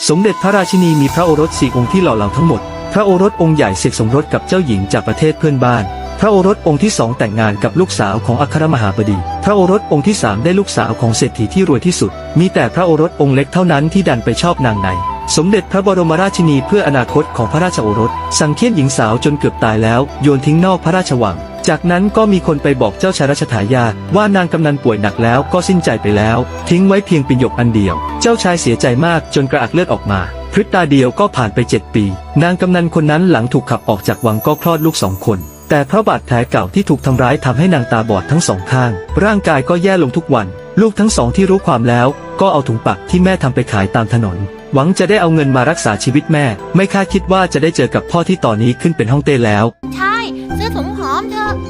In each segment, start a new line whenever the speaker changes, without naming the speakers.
สมเด็จพระราชินีมีพระโอรส4องค์ที่หล่อเหลาทั้งหมดพระโอรสองค์ใหญ่เสกสมรสกับเจ้าหญิงจากประเทศเพื่อนบ้านพระโอรสองค์ที่2แต่งงานกับลูกสาวของอัครมหาบดีพระโอรสองค์ที่3ได้ลูกสาวของเศรษฐีที่รวยที่สุดมีแต่พระโอรสองค์เล็กเท่านั้นที่ดันไปชอบนางในสมเด็จพระบรมราชินีเพื่ออนาคตของพระราชโอรสสั่งเฆี่ยนหญิงสาวจนเกือบตายแล้วโยนทิ้งนอกพระราชวังจากนั้นก็มีคนไปบอกเจ้าชายรัชทายาทว่านางกำนันป่วยหนักแล้วก็สิ้นใจไปแล้วทิ้งไว้เพียงปิ่นหยกอันเดียวเจ้าชายเสียใจมากจนกระอักเลือดออกมาพริบตาเดียวก็ผ่านไป7 ปีนางกำนันคนนั้นหลังถูกขับออกจากวังก็คลอดลูก2 คนแต่เพราะบาดแผลเก่าที่ถูกทำร้ายทำให้นางตาบอดทั้ง2 ข้างร่างกายก็แย่ลงทุกวันลูกทั้ง2ที่รู้ความแล้วก็เอาถุงปักที่แม่ทำไปขายตามถนนหวังจะได้เอาเงินมารักษาชีวิตแม่ไม่คาดคิดว่าจะได้เจอกับพ่อที่ตอนนี้ขึ้นเป็นฮ่องเต้แล้ว
ใช่ซื้อถุงหอมเถอะ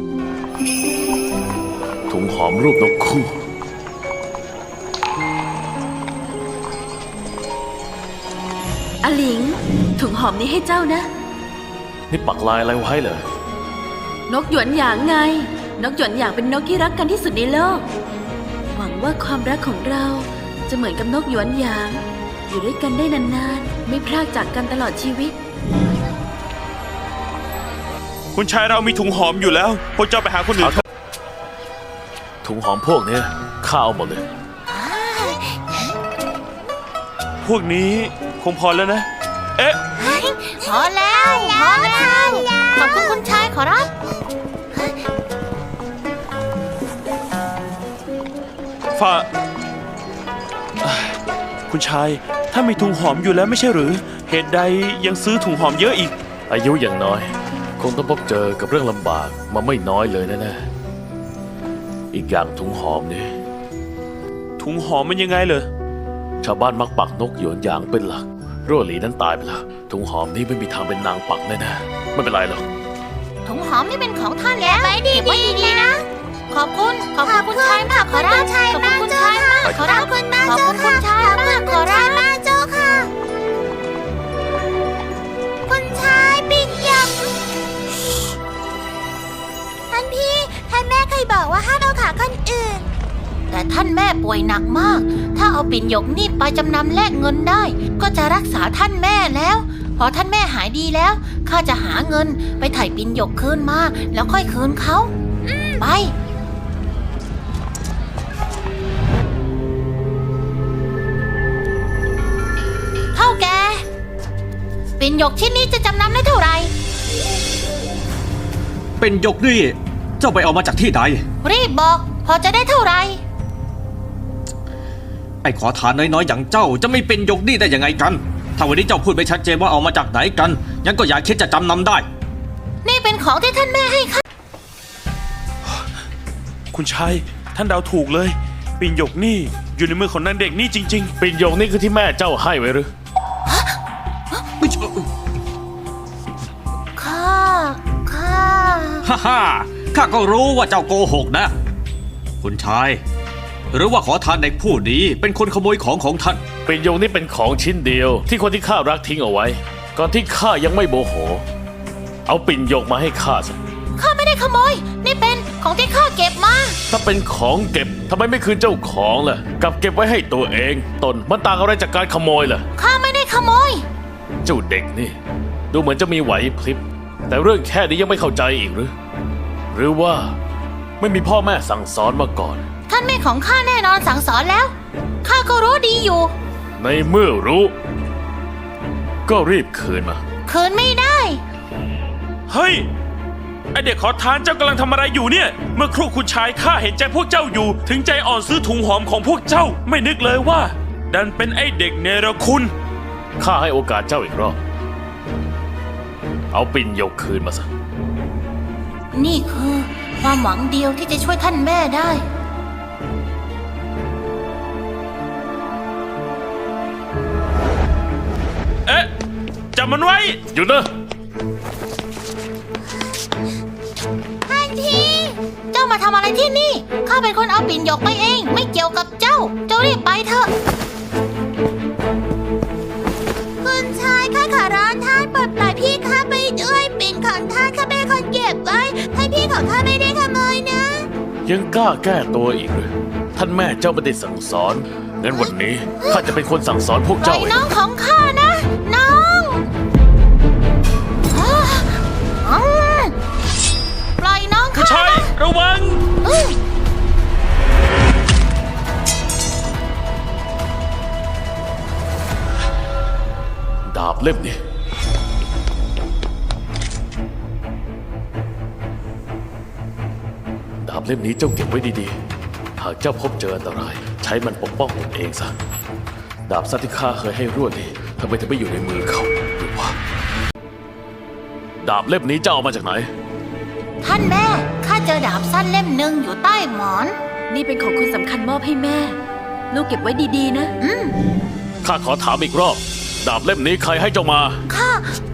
ถุงหอมรูปนกคู่
อลิงถุงหอมนี้ให้เจ้านะ
นี่ปักลายอะไรไว้เหรอ
นกหยวนหยางไงนกหยวนหยางเป็นนกที่รักกันที่สุดในโลกหวังว่าความรักของเราจะเหมือนกับนกหยวนหยางอยู่ด้วยกันได้นานๆไม่พรากจากกันตลอดชีวิต
คุณชายเรามีถุงหอมอยู่แล้วพวกเจ้าไปหาคนอื่น
ถุงหอมพวกนี้ข้าเอาหมดเลย
พวกนี้คงพอแล้วนะเอ๊ะ
พอแล้วขอบคุณคุณชายขอรับ
ฝ่าคุณชายถ้ามีถุงหอมอยู่แล้วไม่ใช่หรือเหตุใดยังซื้อถุงหอมเยอะอีก
อายุอย่างน้อยคงต้องพบเจอกับเรื่องลำบากมาไม่น้อยเลยแน่ๆอีกอย่างถุงหอมนี่
ถุงหอมมันยังไงเหรอ
ชาวบ้านมักปักนกหยวนหยางเป็นหลักรั่วหลีนั้นตายไปแล้วถุงหอมนี่ไม่มีทางเป็นนางปักแน่ๆไม่เป็นไรหรอก
ถุงหอมนี่เป็นของท่านแล้วเก็บไว้ดีๆนะขอบคุณคุณชายมากขอรับขอบคุณคุณชายมากขอรับขอบคุณคุณชายมากขอรับเจ้าค่ะคุณชายปิ่นหยกท่านพี่ท่านแม่เคยบอกว่าห้ามเอาขาคนอื่นแต่ท่านแม่ป่วยหนักมากถ้าเอาปิ่นหยกนี่ไปจำนำแลกเงินได้ก็จะรักษาท่านแม่แล้วพอท่านแม่หายดีแล้วข้าจะหาเงินไปไถ่ปิ่นหยกคืนมาแล้วค่อยคืนเขาไปเท่าแกปิ่นหยกชิ้นนี้จะจำนำได้เท่าไหร่
เป็นหยกนี่เจ้าไปเอามาจากที่ใด
รีบบอกพอจะได้เท่าไหร่
ไอ้ขอทานน้อยๆอย่างเจ้าจะไม่เป็นหยกนี่ได้ยังไงกันถ้าวันนี้เจ้าพูดไม่ชัดเจนว่าเอามาจากไหนกันงั้นก็อย่าคิดจะจำนำได้
นี่เป็นของที่ท่านแม่ให้ข้า
คุณชายท่านเดาถูกเลยปิ่นหยกนี่อยู่ในมือของนางเด็กนี่จริงๆ
ปิ่นหยกนี่คือที่แม่เจ้าให้ไว้หรือ
ข้า
ข้าก็รู้ว่าเจ้าโกหกนะคุณชายหรือว่าขอทานเด็กผู้นี้เป็นคนขโมยของท่าน
ปิ่นหยกนี่เป็นของชิ้นเดียวที่คนที่ข้ารักทิ้งเอาไว้ก่อนที่ข้ายังไม่โมโหเอาปิ่นหยกมาให้ข้าสิ
ข้าไม่ได้ขโมยนี่เป็นของที่ข้าเก็บมา
ถ้าเป็นของเก็บทำไมไม่คืนเจ้าของล่ะกลับเก็บไว้ให้ตัวเองตนมันต่างอะไรจากการขโมยล่ะ
ข้าไม่ได้ขโมย
เจ้าเด็กนี่ดูเหมือนจะมีไหวพริบแต่เรื่องแค่นี้ยังไม่เข้าใจอีกหรือว่าไม่มีพ่อแม่สั่งสอนมาก่อน
ท่านแม่ของข้าแน่นอนสั่งสอนแล้วข้าก็รู้ดีอยู่
ในเมื่อรู้ก็รีบคืนมา
คืนไม่ได้
เฮ้ยไอเด็กขอทานเจ้ากำลังทำอะไรอยู่เนี่ยเมื่อครู่คุณชายข้าเห็นใจพวกเจ้าอยู่ถึงใจอ่อนซื้อถุงหอมของพวกเจ้าไม่นึกเลยว่าดันเป็นไอเด็กเนรคุณ
ข้าให้โอกาสเจ้าอีกรอบเอาปิ่นหยกคืนมาซะ
นี่คือความหวังเดียวที่จะช่วยท่านแม่ได้
เอ๊ะจับมันไว้
หยุดนะ
ท่านพี่เจ้ามาทำอะไรที่นี่ข้าเป็นคนเอาปิ่นหยกไปเองไม่เกี่ยวกับเจ้ารีบไปเถอะคุณชายข้าขอร้องท่านปลดปล่อยพี่ข้าไปด้วยปิ่นของท่านข้าเป็นคนเก็บไว้ท่านพี่ของข้าไม่ได้ขโมยนะ
ยังกล้าแก้ตัวอีกหรือท่านแม่เจ้าไม่ได้สั่งสอนงั้นวันนี้ข้าจะเป็นคนสั่งสอนพวก
ปล่
เจ้า
อย
เอง
น้องของข้านะ น้องปล่อยน้อง
คุณ
ข้า
ชายระวัง
ดาบเล่มนี้ดาบเล่มนี้เจ้าเก็บไว้ดีๆ หากเจ้าพบเจออันตราย ใช้มันปกป้องตนเองซะ ดาบสั้นที่ข้าเคยให้รวดนี่ทำไมถึงไม่อยู่ในมือเขาหรือว่า ดาบเล่มนี้เจ้าเอามาจากไหน
ท่านแม่ ข้าเจอดาบสั้นเล่มหนึ่งอยู่ใต้หมอน
นี่เป็นของคุณสำคัญมอบให้แม่ ลูกเก็บไว้ดีๆนะ
ข้าขอถามอีกรอบ ดาบเล่มนี้ใครให้เจ้ามา
ข้า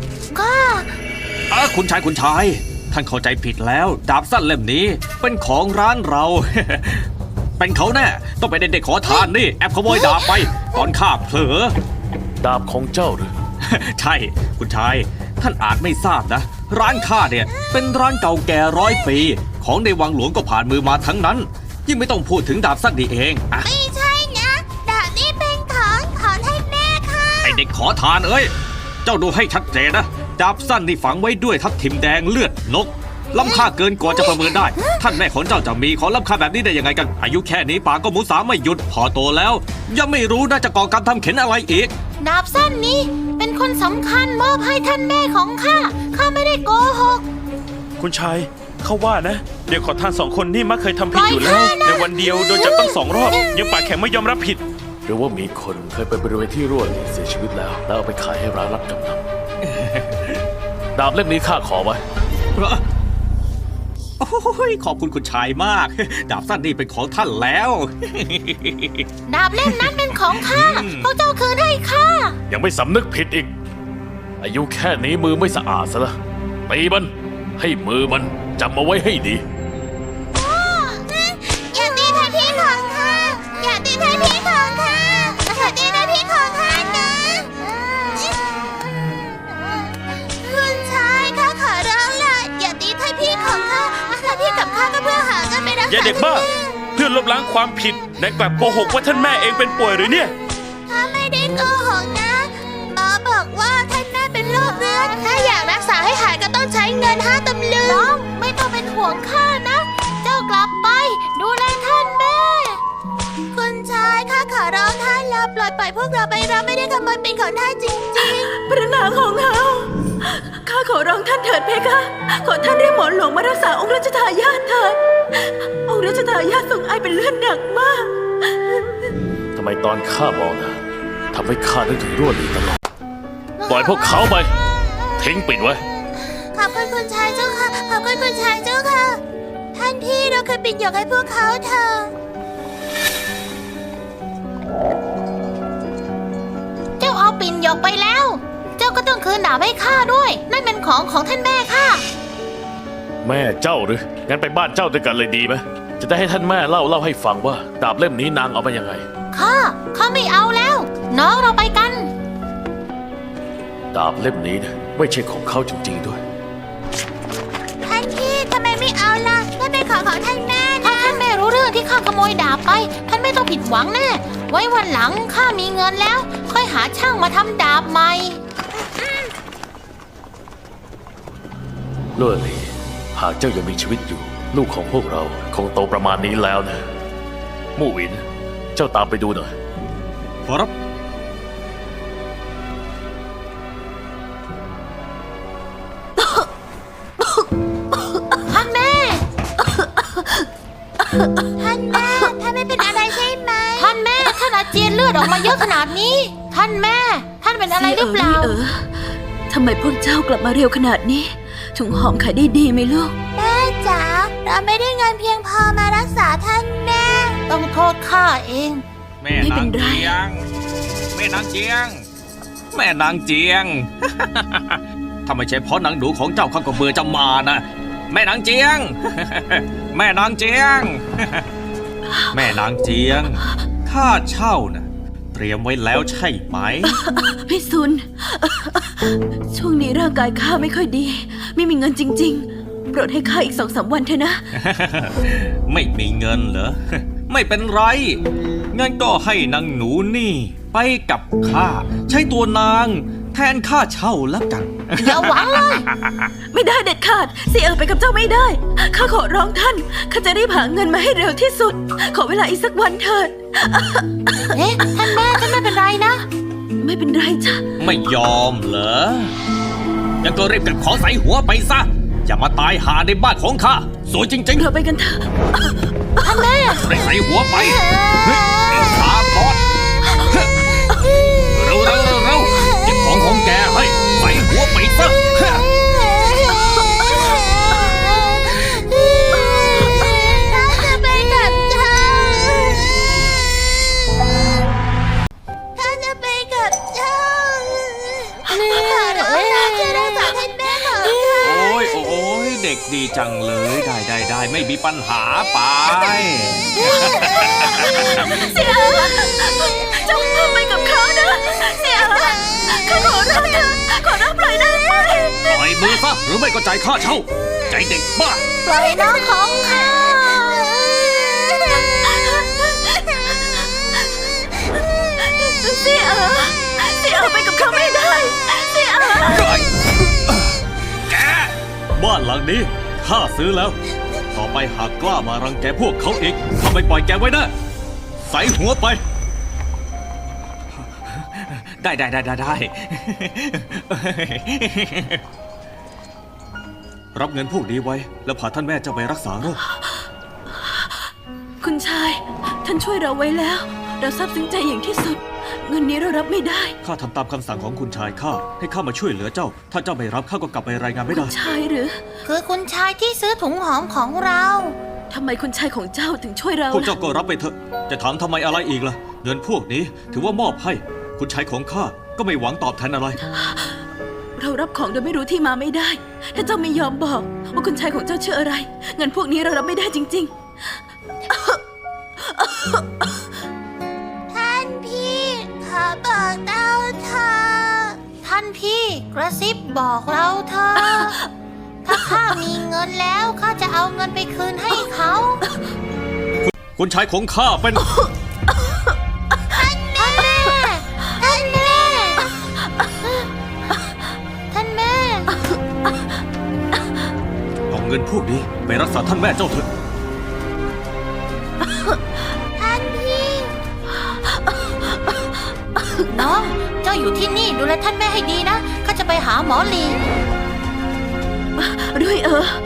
คุณชาย ท่านเข้าใจผิดแล้ว ดาบสั้นเล่มนี้เป็นของร้านเรา เป็นเขาแน่ ต้องเป็นเด็กๆขอทานนี่ แอบขโมยดาบไป ตอนข้าเผลอ
ดาบของเจ้าหรือ
ใช่ คุณชาย ท่านอาจไม่ทราบนะ ร้านข้าเนี่ย เป็นร้านเก่าแก่100 ปี ของในวังหลวงก็ผ่านมือมาทั้งนั้น ยิ่งไม่ต้องพูดถึงดาบสั้นนี่เองอะ
ไม่ใช่นะ ดาบนี้เป็นของท่านแม่ค่ะ
ไอเด็กขอทานเอ้ย เจ้าดูให้ชัดเจนนะ ดาบสั้นนี่ฝังไว้ด้วยทับทิมแดงเลือดนก ล้ำค่าเกินกว่าจะประเมินได้ ท่านแม่ของเจ้าจะมีของล้ำค่าแบบนี้ได้ยังไงกัน อายุแค่นี้ปากก็หมูสาไม่หยุด พอโตแล้ว ยังไม่รู้น่าจะก่อกรรมทำเข็นอะไรอีก
ดาบสั้นนี้เป็นคนสำคัญมอบให้ท่านแม่ของข้า ข้าไม่ได้โกหก
คุณชายเขาว่านะ เด็กขอทาน2 คนนี่มักเคยทำผิดอยู่แล้ว
ปล่อยข้านะ
ในวันเดียวโดนจับตั้ง2 รอบ ยังปากแข็งไม่ยอมรับผิด
หรือว่ามีคนเคยไปบริเวณที่รั่วนี่เสียชีวิตแล้ว แล้วเอาไปขายให้ร้านรับจำนำ ดาบเล่มนี้ข้าขอไว้
โอ้ยขอบคุณคุณชายมาก ดาบสั้นนี่เป็นของท่านแล้ว
ดาบเล่มนั้นเป็นของข้า พวกเจ้าคืนให้ข้า
ยังไม่สำนึกผิดอีก อายุแค่นี้มือไม่สะอาดซะละตีมันให้มือมันจำเอาไว้ให้ดี
อย่าตีท่านพี่ของข้า อย่าตีท่านพี่ของข้าอย่าตีท่านพี่ของข้านะคุณชายข้าขอร้องล่ะอย่าตีท่านพี่ของข้าท่านพี่กับข้าก็เพื่อหาเงินไปรักษา
อย่าเด็กบ้า เพื่อลบล้างความผิดนายกลับโกหกว่าท่านแม่เองเป็นป่วยหรือเนี่ย
ข้าไม่ได้โกหกนะหมอบอกว่าท่านแม่เป็นโรคเรื้อนถ้าอยากรักษาให้หายก็ต้องใช้เงิน5 ตำลึงน้องไม่ต้องเป็นห่วงข้านะ เจ้ากลับไป ดูแลท่านแม่ คุณชายข้าขอร้องท่านแล้วปล่อยพวกเราไปเราไม่ได้ขโมยเป็นของท่านจริง
พระนางของเราข้าขอร้องท่านเถิดเพคะ ขอท่านเรียกหมอหลวงมารักษาองค์รัชทายาทเถิด องค์รัชทายาททรงไอเป็นเลือดหนักมาก
ทำไมตอนข้าบอกนะทำให้ข้านึกถึงรั่วหลีตลอด ปล่อยพวกเขาไป ทิ้งปิดไว้
ๆขอบคุณคุณชายเจ้าค่ะขอบคุณคุณชายเจ้าค่ะท่านพี่เราเคยปิดหยกให้พวกเขาเถอะเจ้าเอาปิ่นหยกไปแล้ว เจ้าก็ต้องคืนดาบให้ข้าด้วย นั่นเป็นของท่านแม่ข้า
แม่เจ้าหรือ งั้นไปบ้านเจ้าด้วยกันเลยดีไหม จะได้ให้ท่านแม่เล่าให้ฟังว่า ดาบเล่มนี้นางเอามายังไง
ข้าไม่เอาแล้ว น้องเราไปกัน
ดาบเล่มนี้นะไม่ใช่ของเขาจริงๆด้วย
ท่านพี่ทำไมไม่เอาล่ะนั่นเป็นของท่านแม่นะถ้าท่านแม่รู้เรื่องที่ข้าขโมยดาบไป ท่านไม่ต้องผิดหวังแน่ ไว้วันหลังข้ามีเงินแล้ว ค่อยหาช่างมาทำดาบใหม่
ลั่วหลีหากเจ้ายังมีชีวิตอยู่ ลูกของพวกเราคงโตประมาณนี้แล้วนะ มู่หวิน เจ้าตามไปดูหน่อย
ขอรับ
ท่านแม่ ท่านแม่ ท่านไม่เป็นอะไรใช่ไหม ท่านแม่ ท่านอาเจียนเลือดออกมาเยอะขนาดนี้ ท่านแม่ ท่านเป็นอะไรหรือเปล่า
ทำไมพวกเจ้ากลับมาเร็วขนาดนี้ ถุงหอมขายได้ดีไหมลูก
แม่จ๋า เราไม่ได้เงินเพียงพอมารักษาท่านแม่ ต้องโทษข้าเอง
แม่
ไม่เป็
นาง
นไร
เจียง แม่นางเจียง แม่นางเจียง ถ้าไม่ใช่เพราะนางหนูของเจ้าข้าก็เบื่อจะมานะ แม่นางเจียง แม่นางเจียง แม่นางเจียง ค่าเช่านะเตรียมไว้แล้วใช่ไหม
พี่ซุน ช่วงนี้ร่างกายข้าไม่ค่อยดี ไม่มีเงินจริงๆ โปรดให้ข้าอีก2-3 วันเถอะนะ
ไม่มีเงินเหรอไม่เป็นไร งั้นก็ให้นางหนูนี่ไปกับข้า ใช้ตัวนางแทนค่าเช่าแล้วกัน
อย่าหวังเลย
ไม่ได้เด็ดขาดเสี่ยไปกับเจ้าไม่ได้ ข้าขอร้องท่าน ข้าจะรีบหาเงินมาให้เร็วที่สุด ขอเวลาอีกสักวันเถิด
เอ๊ะท่านแม่ไม่เป็นไรนะ
ไม่เป็นไรจ้ะ
ไม่ยอมเหรองั้นก็รีบเก็บของใส่หัวไปซะ อย่ามาตายหาในบ้านของข้า สวยจริง
เราไปกันเถอะ
ท่านแม่
ๆรีบใส่หัวไปเฮ้ยข้าก่อนเร็วเก็บของแกให้ใส่หัวไปซะ
ท่านจะไปกับเจ้าท่านจะไปกับเจ้าขอร้องนะช่วยรักษาท่านแม่ของข้า
โอ้ยเด็กดีจังเลย ได้ไม่มีปัญหาไป
เสี่ยเจ้าไปกับเขานะเสี่ยข้าขอร้องเธอขอร้องปล่อยได้ไหม
ปล่อยมือซะหรือไม่ก็จ่ายค่าเช่า ใจเด็กบ้า
ปล่อยน้องของข้า
เสี่ยไปกับเขาไม่ได้เสี่ย
แกบ้านหลังนี้ข้าซื้อแล้ว ต่อไปหากกล้ามารังแกพวกเขาอีกข้าไม่ปล่อยแกไว้นะใส่หัวไป ได้ รับเงินพวกนี้ไว้ แล้วพาท่านแม่เจ้าไปรักษาโรค
คุณชาย ท่านช่วยเราไว้แล้ว เราซาบซึ้งใจอย่างที่สุด เงินนี้เรารับไม่ได้
ข้าทำตามคำสั่งของคุณชายข้าให้ข้ามาช่วยเหลือเจ้า ถ้าเจ้าไม่รับข้าก็กลับไปรายงานไม่
คุ
ได้
ณชายหรือ
คือคุณชายที่ซื้อถุงหอมของเรา
ทำไมคุณชายของเจ้าถึงช่วยเรา
พวกเจ้า
ล่ะ
ก็รับไปเถอะ จะถามทำไมอะไรอีกล่ะ เงินพวกนี้ถือว่ามอบให้ คุณชายของข้าก็ไม่หวังตอบแทนอะไร
เรารับของโดยไม่รู้ที่มาไม่ได้ ถ้าเจ้าไม่ยอมบอก ว่าคุณชายของเจ้าชื่ออะไร เงินพวกนี้เรารับไม่ได้จริง
ท่านพี่ขอบอกเราเธอท่านพี่กระซิบบอกเราเธอ ถ้าข้ามีเงินแล้วข้าจะเอาเงินไปคืนให้เขา
คุณชายของข้าเป็น
ท่านแม่ ท่านแม่ ท่านแม่
เอาเงินพวกนี้ไปรักษาท่านแม่เจ้าเถอะ
ท่านพี่ น้อง เจ้าอยู่ที่นี่ดูแลท่านแม่ให้ดีนะ ข้าจะไปหาหมอลี
ๆ ด้วย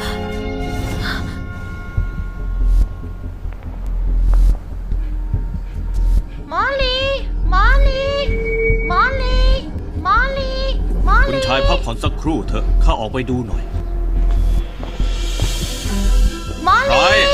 หมอลีหมอลีหมอลีหมอลีหมอ
คุณ
ลี
ชายพักผ่อนสักครู่เถอะ ข้าออกไปดูหน่อย
หมอ
ใคร
ลี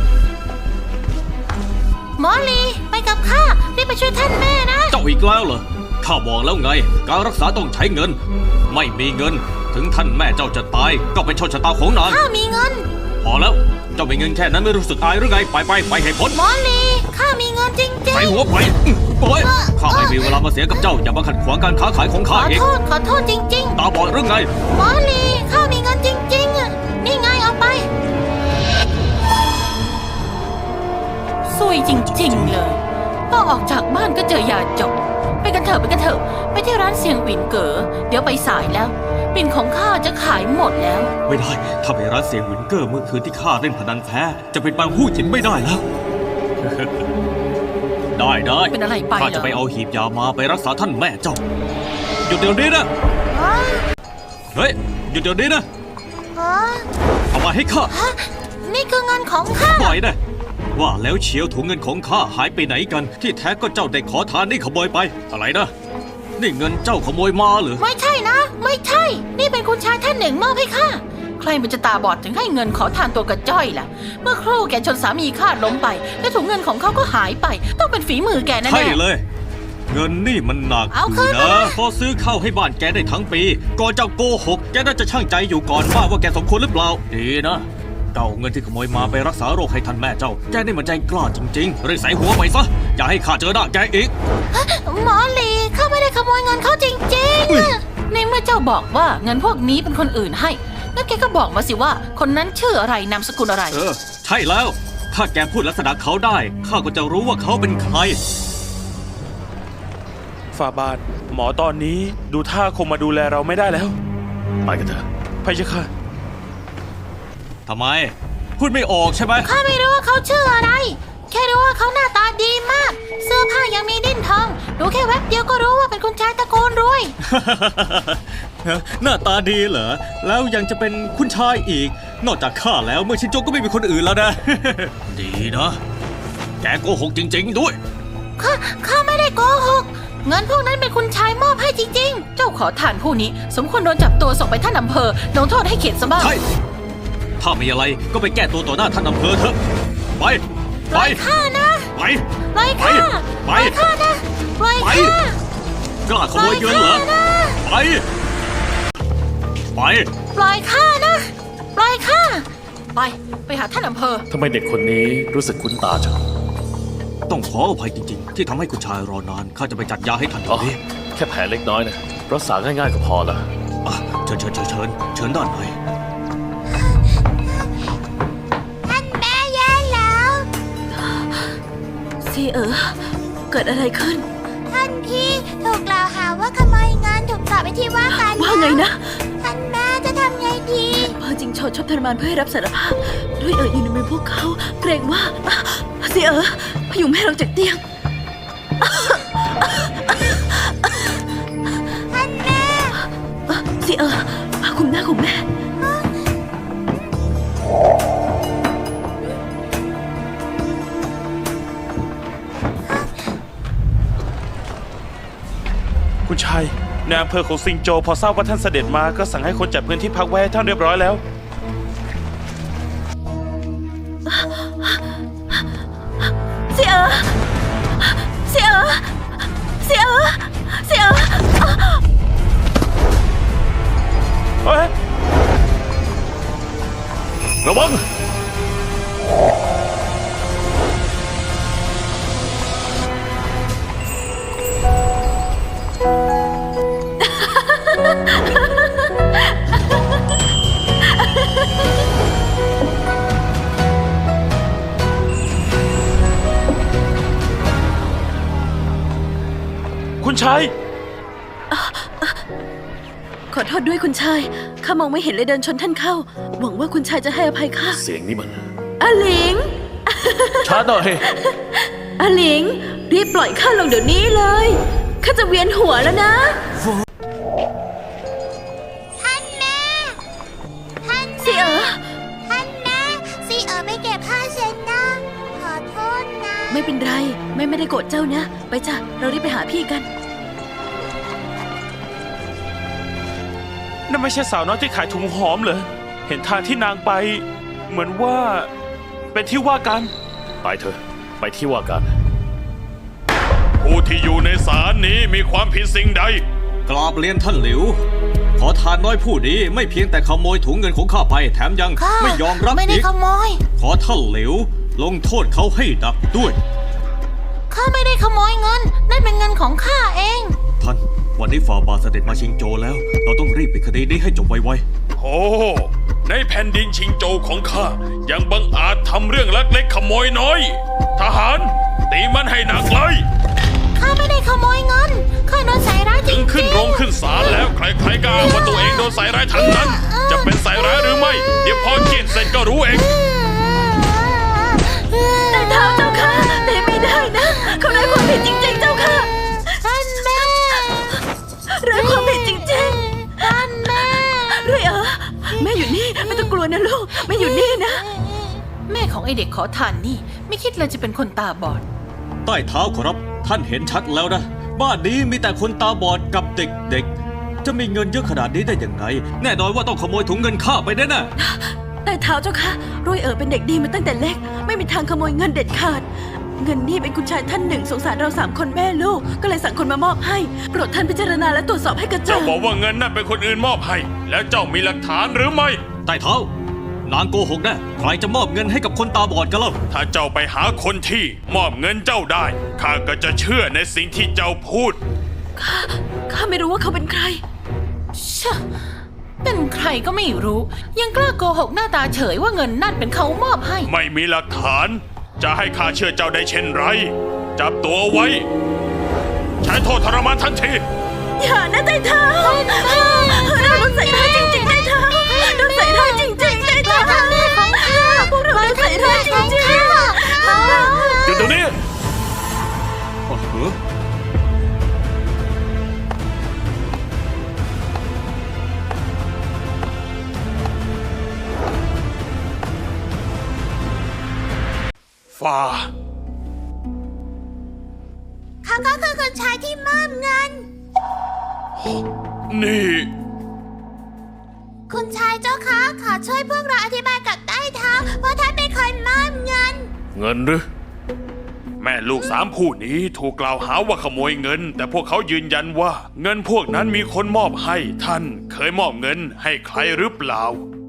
หมอลีไปกับข้ารีบไปช่วยท่านแม่นะ
เจ้าอีกแล้วเหรอ ข้าบอกแล้วไง การรักษาต้องใช้เงิน ไม่มีเงิน ถึงท่านแม่เจ้าจะตาย ก็เป็นโชคชะตาของนาง
ข้ามีเงิน
พอแล้ว เจ้ามีเงินแค่นั้นไม่รู้สึกอายหรือไง ไปให้พ้น
หมอลีข้ามีเงินจริง
ใส่หัวไปโอ้ยข้าไม่มีเวลามาเสียกับเจ้า อย่ามาขัดขวางการค้าขายของ
ๆ ข
ข้า
อ
อีก
โทษ ขอโทษจริง
ตาบอดหรือไง
ๆ หมอลีข้ามีเงินจริงๆอะนี่ไงเอาไปซวยจริงๆเลยก็ออกจากบ้านก็เจอยาจบ ไปกันเถอะ ไปที่ร้านเสียงปิ่นเก๋อเดี๋ยวไปสายแล้ว ปิ่นของข้าจะขายหมดแล้ว
ไม่ได้ ถ้าไปร้านเสียงวินเกอร์เมื่อคืนที่ข้าเล่นพนันแพ้ จะเป็นบางหู้หยินไม่ได้แล้ว ได้
เป็นอะไรไปเหรอ
ข้าจะไปเอาหีบยามาไปรักษาท่านแม่เจ้า หยุดเดี๋ยวนี้นะ เฮ้ย หยุดเดี๋ยวนี้นะ เอามาให้ข้า
นี่คือเงินของข้า
ปล่อยนะว่าแล้วเชียวถุงเงินของข้าหายไปไหนกัน ที่แท้ก็เจ้าเด็กขอทานนี่ขโมยไป อะไรนะ นี่เงินเจ้าขโมยมาเหรือ
ไม่ใช่นะ ไม่ใช่ นี่เป็นคุณชายท่านหนึ่งมอบให้ข้า ใครมันจะตาบอดถึงให้เงินขอทานตัวกระจ้อยล่ะ เมื่อครู่แกชนสามีข้าล้มไป และถุงเงินของเขาก็หายไป ต้องเป็นฝีมือแกแน่ๆ
ใช่เลย เงินนี่มันหนัก
เอาคืน
นะ
มานะ
พอซื้อข้าวให้บ้านแกได้ทั้งปี ก่อนเจ้าโกหก แกน่าจะช่างใจอยู่ก่อนว่าแกสมควรหรือเปล่า ดีนะเจ้าเอาเงินที่ขโมยมาไปรักษาโรคให้ท่านแม่เจ้า แกนี่มันใจกล้าจริงๆรีบใส่หัวไปซะ อย่าให้ข้าเจอหน้าแกอีก
หมอลีข้าไม่ได้ขโมยเงินเขาจริง
อุ๊ย
ๆในเมื่อเจ้าบอกว่าเงินพวกนี้เป็นคนอื่นให้งั้นแกก็บอกมาสิว่า คนนั้นชื่ออะไรนามสกุลอะไร
ใช่แล้วถ้าแกพูดลักษณะเขาได้ข้าก็จะรู้ว่าเขาเป็นใคร
ฝ่าบาท หมอตอนนี้ดูท่าคงมาดูแลเราไม่ได้แล้ว
ไปกันเถอะ
พะยะค่ะ
ทำไม พูดไม่ออกใช่ไหม
ข้าไม่รู้ว่าเขาชื่ออะไร แค่รู้ว่าเขาหน้าตาดีมาก เสื้อผ้ายังมีดิ้นทอง ดูแค่แวบเดียวก็รู้ว่าเป็นคุณชายตระกูลรวย
หน้าตาดีเหรอ แล้วยังจะเป็นคุณชายอีก นอกจากข้าแล้วเมื่อชินโจก็ไม่มีคนอื่นแล้วนะ ดีนะ แกโกหกจริง ๆ ด้วย
ข้าไม่ได้โกหก เงินพวกนั้นเป็นคุณชายมอบให้จริงๆ เจ้าขอทานผู้นี้ สมควรโดนจับตัวส่งไปท่านอำเภอลงโทษให้เข็ดซะบ้าง
ใช่ ถ้ามีอะไรก็ไปแก้ตัวต่อหน้าท่านอำเภอเถอะ ไป
ปล่อยข้านะ
ไป
ปล่อยข้า
ไป
ปล่อยข้านะปล่อย
ไป
ข้าก
ล้าขโมยเงินเหรอ ไป ไป
ปล่อยข้านะ ปล่อยข้า ไปหาท่านอำเภอ
ทำไมเด็กคนนี้รู้สึกคุ้นตาจัง
ต้องขออภัยจริงๆ ที่ทำให้คุณชายรอนาน ข้าจะไปจัดยาให้ท่านเดี๋
อ๋
ย
อ
วนี้
แค่แผลเล็กน้อยนะรักษาง่ายๆก็พอละ
อ่ะเชิญด้านใน
ท่านแม่แย่แล้ว
ซีเกิดอะไรขึ้น
ท่านพี่ถูกกล่าวหาว่าขโมยเงินถูกจับไปที่ว่าการ
ว่าไงนะ
ท่านแม่จะทำไงดี
พอจริงโชดชอบทรมานเพื่อให้รับสารภาพ ด้วยอยู่ในมือพวกเขา เกรงว่าซีพยุงแม่ลงจากเตียง
ท่านแม่
ซีคุมหน้าคุมแม่
คุณชายในอำเภอของซิงโจพอทราบว่าท่านเสด็จมาก็สั่งให้คนจัดพื้นที่พักไว้ให้ท่านเรียบร้อยแล้ว
เสีย
เฮ้ย
ระวัง
คุณชาย
ขอโทษด้วยคุณชาย ข้ามองไม่เห็นเลยเดินชนท่านเข้า หวังว่าคุณชายจะให้อภัยข้า
เสียงนี้มัน
อาหลิง
ช้าหน่อย
อาหลิง รีบปล่อยข้าลงเดี๋ยวนี้เลย ข้าจะเวียนหัวแล้วนะ
ท่านแม่ ท่าน
เสีย
ท่านแม่ซีไม่เก็บผ้าเช็ดหน้าขอโทษนะ
ไม่เป็นไร แม่ไม่ได้โกรธเจ้านะ ไปจ้ะ เรารีบไปหาพี่กัน
นั่นไม่ใช่สาวน้อยที่ขายถุงหอมเหรอ เห็นทางที่นางไป เหมือนว่า เป็นที่ว่ากัน
ไปเถอะ ไปที่ว่าการ
ผู้ที่อยู่ในศาลนี้มีความผิดสิ่งใด
กราบเรียนท่านหลิว ขอทานน้อยผู้นี้ไม่เพียงแต่ขโมยถุงเงินของข้าไป แถมยัง
ข้า
ไม่ยอมรับ
ไม่ได้
อีก
ขโมย
ขอท่านหลิว ลงโทษเขาให้หนักด้วย
ข้าไม่ได้ขโมยเงิน นั่นเป็นเงินของข้าเอง
ท่าน วันนี้ฝ่าบาทเสด็จมาชิงโจแล้ว เราต้องรีบปิดคดีนี้ให้จบไว
โอ้ ในแผ่นดินชิงโจวของข้า ยังบังอาจทำเรื่องลักเล็กขโมยน้อย ทหาร ตีมันให้หนักเลย
ข้าไม่ได้ขโมยเงิน ข้าโดนใส่ร้ายจริ
ถึ
ง
งขึ้นโรงขึ้นศาลแล้วใครๆก็อ้างว่าตัวเองโดนใส่ร้ายทั้งนั้น จะเป็นใส่ร้ายหรือไม่ เดี๋ยวพอเกียนเสร็จก็รู้เอง
แต่เท้าเจ้าค่ะแต่ไม่ได้นะ เขาได้ความผิดจริงๆ เจ้าค่ะ
ท่านแม่
ไร้ความผิดจริง
ท่านแม่
ๆเรื่อยแม่อยู่นี่ ไม่ต้องกลัวนะลูก แม่อยู่นี่นะ
แม่ของไอเด็กขอทานนี่ ไม่คิดเลยจะเป็นคนตาบอด
ๆ ใต้เท้าขอรับ ท่านเห็นชัดแล้วนะ บ้านนี้มีแต่คนตาบอดกับเด็กๆ จะมีเงินเยอะขนาดนี้ได้ยังไง แน่นอนว่าต้องขโมยถุงเงินข้าไปแน่ๆ
แต่เท้าเจ้าค่ะรวยเป็นเด็กดีมาตั้งแต่เล็ก ไม่มีทางขโมยเงินเด็ดขาด เงินนี่เป็นคุณชายท่านหนึ่งสงสารเรา3 คนแม่ลูก ก็เลยสั่งคนมามอบให้ โปรดท่านพิจารณาและตรวจสอบให้กระจ่า
เจ้าง บอกว่าเงินนั่นเป็นคนอื่นมอบให้ แล้วเจ้ามีหลักฐานหรือไม่
ใต้เท้า นางโกหกแน่ใครจะมอบเงินให้กับคนตาบอดกันเล่า
ถ้าเจ้าไปหาคนที่มอบเงินเจ้าได้ ข้าก็จะเชื่อในสิ่งที่เจ้าพูด
ข้าไม่รู้ว่าเขาเป็นใคร
เชื่อเป็นใครก็ไม่รู้ ยังกล้าโกหกหน้าตาเฉยว่าเงินนั่นเป็นเขามอบให้
ไม่มีหลักฐาน จะให้ข้าเชื่อเจ้าได้เช่นไร จับตัวไว้ ใช้โทษทรมานทันที
อย่านะไต่เท้าเราโดนใส่ร้ายจริงๆไต่เท้าโดนใส่ร้ายจริงๆไต่เท้าพวกเราโดนใส่ร้ายจริง
หยุดตรงนี้
โอ้โห
ฝ่า
เขาก็คือคนชายที่มอบเงิน
นี่
คุณชายเจ้าคะขอช่วยพวกเราอธิบายกับใต้เท้าว่าท่านเป็นคนมอบเงิน
เงินหรือ แม่ลูก3คู่นี้ถูกกล่าวหาว่าขโมยเงิน แต่พวกเขายืนยันว่า เงินพวกนั้นมีคนมอบให้ท่านเคยมอบเงินให้ใครหรือเปล่า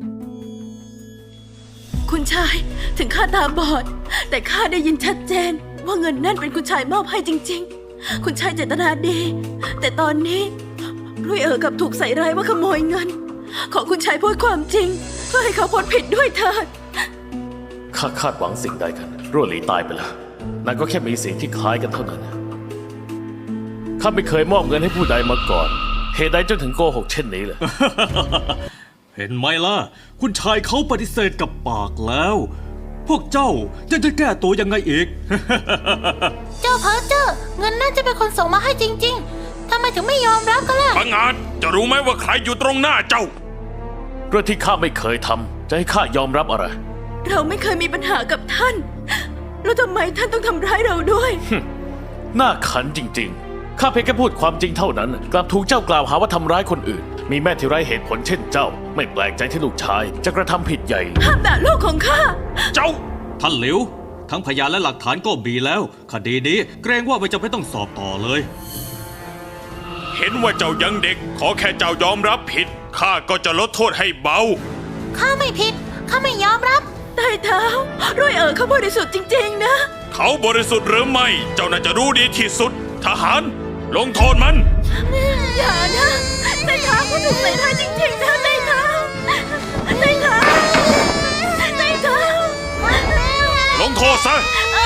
ๆคุณชายถึงข้าตาบอด แต่ข้าได้ยินชัดเจน ว่าเงินนั่นเป็นคุณชายมอบให้จริง ๆ คุณชายเจตนาดี แต่ตอนนี้รุ่ยกับถูกใส่ร้ายว่าขโมยเงิน ขอคุณชายพูดความจริง เพื่อให้เขาพ้นผิดด้วยเถิด
ข้าคาดหวังสิ่งใดกันรั่วหลีตายไปแล้วนั่นก็แค่มีสิ่งที่คล้ายกันเท่านั้น ข้าไม่เคยมอบเงินให้ผู้ใดมาก่อน เหตุใดจนถึงโกหกเช่นนี้ล่ะ
เห็นไหมล่ะ คุณชายเขาปฏิเสธกับปากแล้ว พวกเจ้ายังจะแก้ตัวยังไงอีก
เจ้าเพ้อเจ้อเงินนั่นจะเป็นคนส่งมาให้จริง ๆทำไมถึงไม่ยอมรับกันล่ะ
พังอาจจะรู้ไหมว่าใครอยู่ตรงหน้าเจ้า
เรื่องที่ข้าไม่เคยทำจะให้ข้ายอมรับอะไร
เราไม่เคยมีปัญหากับท่าน แล้วทำไมท่านต้องทำร้ายเราด้วย
น่าขันจริงๆ ข้าเพียงแค่พูดความจริงเท่านั้น กลับถูกเจ้ากล่าวหาว่าทำร้ายคนอื่น มีแม่ที่ไร้เหตุผลเช่นเจ้า ไม่แปลกใจที่ลูกชายจะกระทำผิดใหญ่
ห้ามด่าลูกของข้า
เจ้า
ท่านหลิว ทั้งพยานและหลักฐานก็มีแล้ว คดีนี้เกรงว่าไม่จำเป็นต้องสอบต่อเลย
เห็นว่าเจ้ายังเด็ก ขอแค่เจ้ายอมรับผิดข้าก็จะลดโทษให้เบา
ข้าไม่ผิด ข้าไม่ยอมรับ
ใต้เท้ารุ่ยเขาบริสุทธิ์จริงๆนะ
เขาบริสุทธิ์หรือไม่ เจ้าน่าจะรู้ดีที่สุด ทหาร ลงโทษมัน
อย่านะใต้เท้าเขาถูกใส่ร้ายจริงๆนะใต้เท้าใต้เท้าใต้เท้า
ลงโทษซะ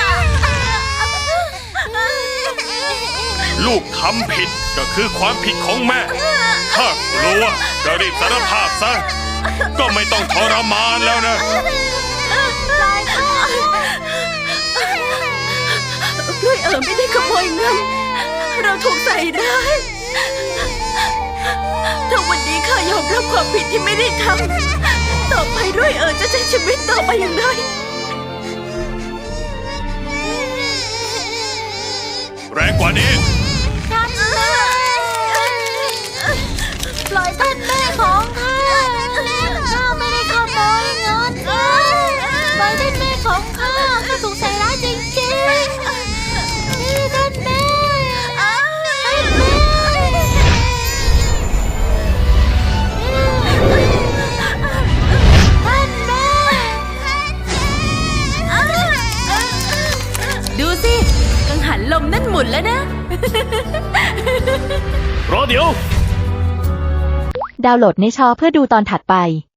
ลูกทำผิดก็คือความผิดของแม่ ถ้ากลัวก็รีบสารภาพซะ ก็ไม่ต้องทรมานแล้วนะ
รุ่ยไม่ได้ขโมยเงิน เราถูกใส่ร้ายถ้าวันนี้ข้ายอมรับความผิดที่ไม่ได้ทำต่อไปรุ่ยจะใช้ชีวิตต่อไปอย่างไร
แรงกว่านี้
ท่านแม่ปล่อยท่านแม่ของข้าข้าไม่ได้ขโมยเงินปล่อยท่านแม่ของข้าข้าถูกใส่ร้ายจริงๆนี่ท่านแม่ท่านแม่ท่านแม่ดูสิกังหันลมนั่นหมุนแล้วนะ
รอเดี๋ยว
ดาวน์โหลดในชอเพื่อดูตอนถัดไป